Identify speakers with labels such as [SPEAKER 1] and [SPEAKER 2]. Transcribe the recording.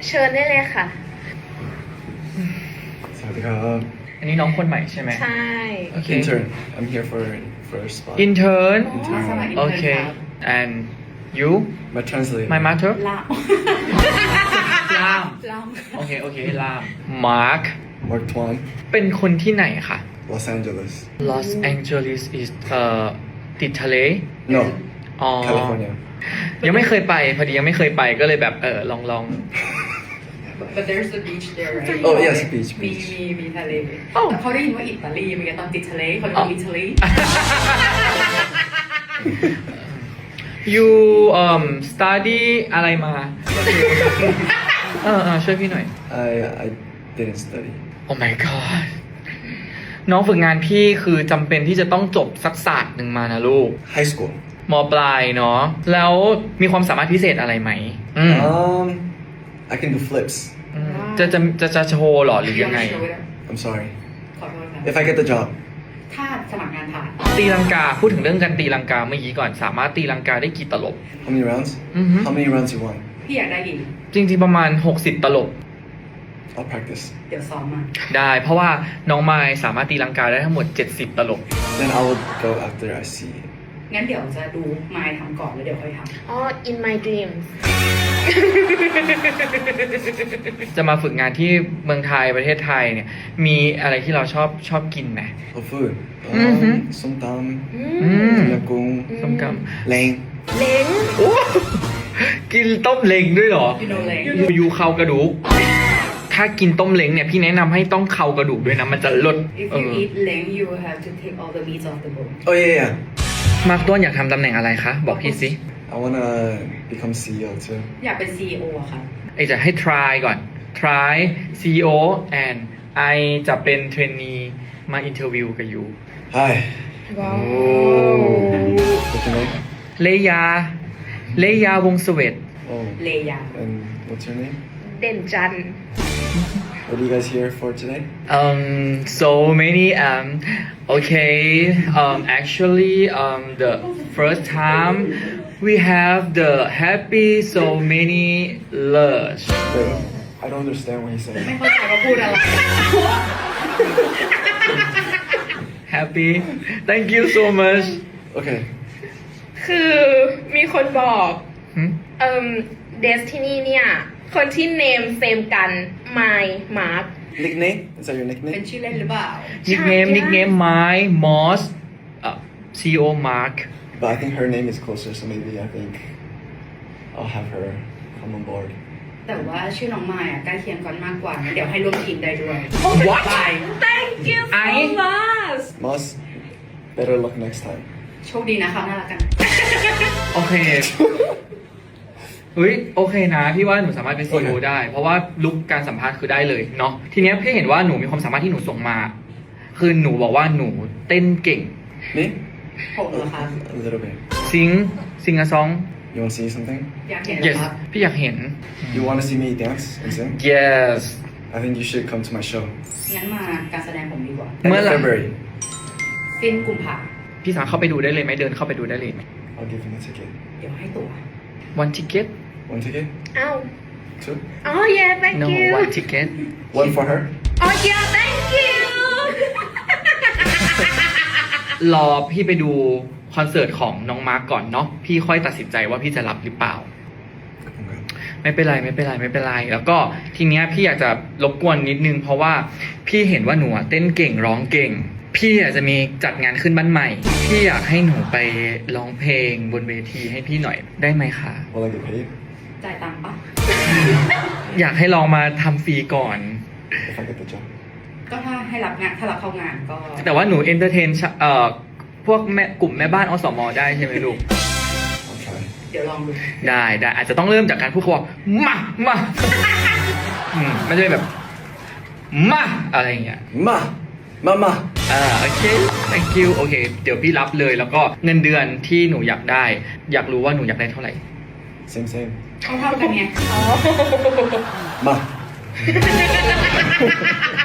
[SPEAKER 1] เชิญได้เลยค่ะ
[SPEAKER 2] สวัสดีครับ
[SPEAKER 3] อันนี้น้องคนใหม่ใช่ไหม
[SPEAKER 1] ใช่
[SPEAKER 3] โอเค
[SPEAKER 2] Intern I'm here for first spot
[SPEAKER 3] intern
[SPEAKER 4] สมัคร
[SPEAKER 3] โอ
[SPEAKER 4] intern
[SPEAKER 3] เค
[SPEAKER 4] ครับ
[SPEAKER 3] and you
[SPEAKER 2] My translator
[SPEAKER 3] my mother
[SPEAKER 4] ลาม
[SPEAKER 3] ล่าม
[SPEAKER 4] ลาม
[SPEAKER 3] โอเคโอเคล่าม Mark
[SPEAKER 2] Mark Twan
[SPEAKER 3] เป็นคนที่ไหนคะ
[SPEAKER 2] Los Angeles
[SPEAKER 3] Los Angeles is ติดทะเล
[SPEAKER 2] No
[SPEAKER 3] อ๋อ
[SPEAKER 2] California
[SPEAKER 3] ยังไม่เคยไปพอดียังไม่เคยไปก็เลยแบบลอง
[SPEAKER 4] but there's a beach there right
[SPEAKER 2] Oh yes beach
[SPEAKER 4] มี
[SPEAKER 2] beach
[SPEAKER 4] มีทะเลแต่เขาได้ยินว่าอิตาลีเมื่อกี้ตอนติดทะเลเขาเรียกว่าอิตาลี
[SPEAKER 3] you study อะไรมาช่วยพี่หน่อย
[SPEAKER 2] I didn't study
[SPEAKER 3] Oh my god น้องฝึกงานพี่คือจำเป็นที่จะต้องจบสักศาสตร์หนึ่งมานะลูก
[SPEAKER 2] High school
[SPEAKER 3] มปลายเนาะแล้วมีความสามารถพิเศษอะไรไหม
[SPEAKER 2] I can do flips
[SPEAKER 3] จะโชว์หรอหรือยังไง
[SPEAKER 2] I'm sorry
[SPEAKER 4] ขอโทษครับ
[SPEAKER 2] if I get the job
[SPEAKER 4] ถ้าสมัครงานผ่าน
[SPEAKER 3] ตีลังกาพูดถึงเรื่องการตีลังกาเมื่อกี้ก่อนสามารถตีลังกาได้กี่ตลบ
[SPEAKER 2] how many rounds how many rounds you want
[SPEAKER 4] พี่อยากได้กี่
[SPEAKER 3] จริงๆประมาณ60ตลบ
[SPEAKER 2] I'll practice
[SPEAKER 4] เดี๋ยวซ้อมมา
[SPEAKER 3] ได้เพราะว่าน้องไมล์สามารถตีลังกาได้ทั้งหมด70ตลบ
[SPEAKER 2] then I will go after I see it
[SPEAKER 4] งั้นเดี๋ยวจะดูมายทำก่อนแล้วเดี๋ยวค่อยทำ
[SPEAKER 1] อ๋อ in my dreams
[SPEAKER 3] จะมาฝึกงานที่เมืองไทยประเทศไทยเนี่ยมีอะไรที่เราชอบกินไหม
[SPEAKER 2] oh food ส้มตำต้มยำกุ้ง
[SPEAKER 3] ส้มก
[SPEAKER 2] แรง
[SPEAKER 1] เล้ง
[SPEAKER 3] ำโอ้กินต้มเล้งด้วยเหรอ
[SPEAKER 4] You know เล้ง
[SPEAKER 3] ยูเข่ากระดูกถ้ากินต้มเล้งเนี่ยพี่แนะนำให้ต้องเข่ากระดูกด้วยนะมันจะลด
[SPEAKER 4] If you eat เล้ง you will have to take all the meat off the bone
[SPEAKER 2] oh yeah
[SPEAKER 3] มาร์คต้นอยากทำตำแหน่งอะไรคะบอกพี่สิ
[SPEAKER 2] I wanna become CEO too
[SPEAKER 4] อยากเป็น CEO อะค่ะ
[SPEAKER 3] ไอจะให้ try ก่อน try CEO and ไอจะเป็นเทรนนีมาอินเทอร์วิวกับยู
[SPEAKER 2] hi
[SPEAKER 1] ว้าว
[SPEAKER 2] what's your name
[SPEAKER 3] เลยาวงศ์เสวต
[SPEAKER 2] oh
[SPEAKER 4] เลยา
[SPEAKER 2] and what's your name
[SPEAKER 1] เด่นจันทร์
[SPEAKER 2] what are you guys here for today
[SPEAKER 3] so many okay actually the first time we have the happy so many lush
[SPEAKER 2] wait I don't understand what he's saying
[SPEAKER 4] ไม่เข้าใจว่าพูดอะไร
[SPEAKER 3] happy thank you so much
[SPEAKER 2] okay
[SPEAKER 1] คือมีคนบอก
[SPEAKER 3] hmm?
[SPEAKER 1] Destiny เนี่ย คนที่เนมเซมกัน My Mark
[SPEAKER 2] nickname is that your
[SPEAKER 4] เป็น
[SPEAKER 2] nickname
[SPEAKER 4] ชื่อเล่นหรือเปล่า
[SPEAKER 3] nickname my Moss CEO Mark
[SPEAKER 2] but I think her name is closer so maybe I think I'll have her come on board
[SPEAKER 4] แต่ว่าชื่อน้องมายอะใกล้เคียงกันมากกว่างั้นเดี๋ยวให้ร่วมทีมได้ด้วย
[SPEAKER 3] What?
[SPEAKER 4] ไป
[SPEAKER 1] Thank you so much
[SPEAKER 2] Moss better luck next time
[SPEAKER 4] โชคดีนะคะน่ารักกัน
[SPEAKER 3] โอเคเฮ้ยโอเคนะพี่ว่าหนูสามารถเป็น CEO ได้ เพราะว่าลุกการสัมภาษณ์คือได้เลยเนาะทีเนี้ยพี่เห็นว่าหนูมีความสามารถที่หนูส่งมา คือหนูบอกว่าหนูเต้นเก่ง
[SPEAKER 2] me
[SPEAKER 4] ผมเหรอคะ
[SPEAKER 2] a little bit
[SPEAKER 3] ซิงอะซอง
[SPEAKER 2] you want to see something
[SPEAKER 4] อยากเห็นเหรอ
[SPEAKER 3] yes
[SPEAKER 4] ครับ
[SPEAKER 3] พี่อยากเห็น
[SPEAKER 2] you want to see me dance and sing
[SPEAKER 3] yes
[SPEAKER 2] I think you should come to my show
[SPEAKER 4] งั้นมาการแสดงผมดีกว่า
[SPEAKER 2] end of
[SPEAKER 3] Mala.
[SPEAKER 2] February
[SPEAKER 4] สิ้นกุมภา
[SPEAKER 3] พี่สามารถเข้าไปดูได้เลยไหมเดินเข้าไปดูได้เลยไหม
[SPEAKER 2] I'll give him a ticket
[SPEAKER 4] เดี๋ยวให้ตั๋ว
[SPEAKER 3] one ticket
[SPEAKER 2] one ticket
[SPEAKER 1] เอ้า
[SPEAKER 2] two
[SPEAKER 1] อ๋อ yeah thank
[SPEAKER 3] no
[SPEAKER 1] you
[SPEAKER 3] one ticket
[SPEAKER 2] one for her
[SPEAKER 1] อ๋อ yeah thank you
[SPEAKER 3] รอพี่ไปดูคอนเสิร์ตของน้องมาร์กก่อนเนาะพี่ค่อยตัดสินใจว่าพี่จะรับหรือเปล่า
[SPEAKER 2] okay
[SPEAKER 3] ไม่เป็นไรไม่เป็นไรไม่เป็นไรแล้วก็ทีเนี้ยพี่อยากจะรบกวนนิดนึงเพราะว่าพี่เห็นว่าหนูเต้นเก่งร้องเก่ง พี่อยากจะมีจัดงานขึ้นบ้านใหม่ พี่อยากให้หนูไปร้องเพลงบนเวทีให้พี่หน่อยได้ไหมคะ
[SPEAKER 2] will I get paid
[SPEAKER 4] จ่ายตังค์ปะ
[SPEAKER 3] อยากให้ลองมาทำฟรีก่อน
[SPEAKER 2] if I get the job
[SPEAKER 4] ก็ถ้าให้รับงานถ้ารับเข้างานก็
[SPEAKER 3] แต่ว่าหนูเอนเตอร์เทนพวกแม่กลุ่มแม่บ้านอสมได้ใช่ไหมลูก
[SPEAKER 2] I'll try
[SPEAKER 4] เดี๋ยวลองดู
[SPEAKER 3] ได้อาจจะต้องเริ่มจากการพูดคำว่ามาไม่ใช่แบบมาอะไรอย่างเงี้ย
[SPEAKER 2] ma mama
[SPEAKER 3] โอเค thank you โอเค เดี๋ยวพี่รับเลยแล้วก็เงินเดือนที่หนูอยากได้ อยากรู้ว่าหนูอยากได้เท่าไหร่
[SPEAKER 2] same
[SPEAKER 4] เท่ากันไง
[SPEAKER 2] ma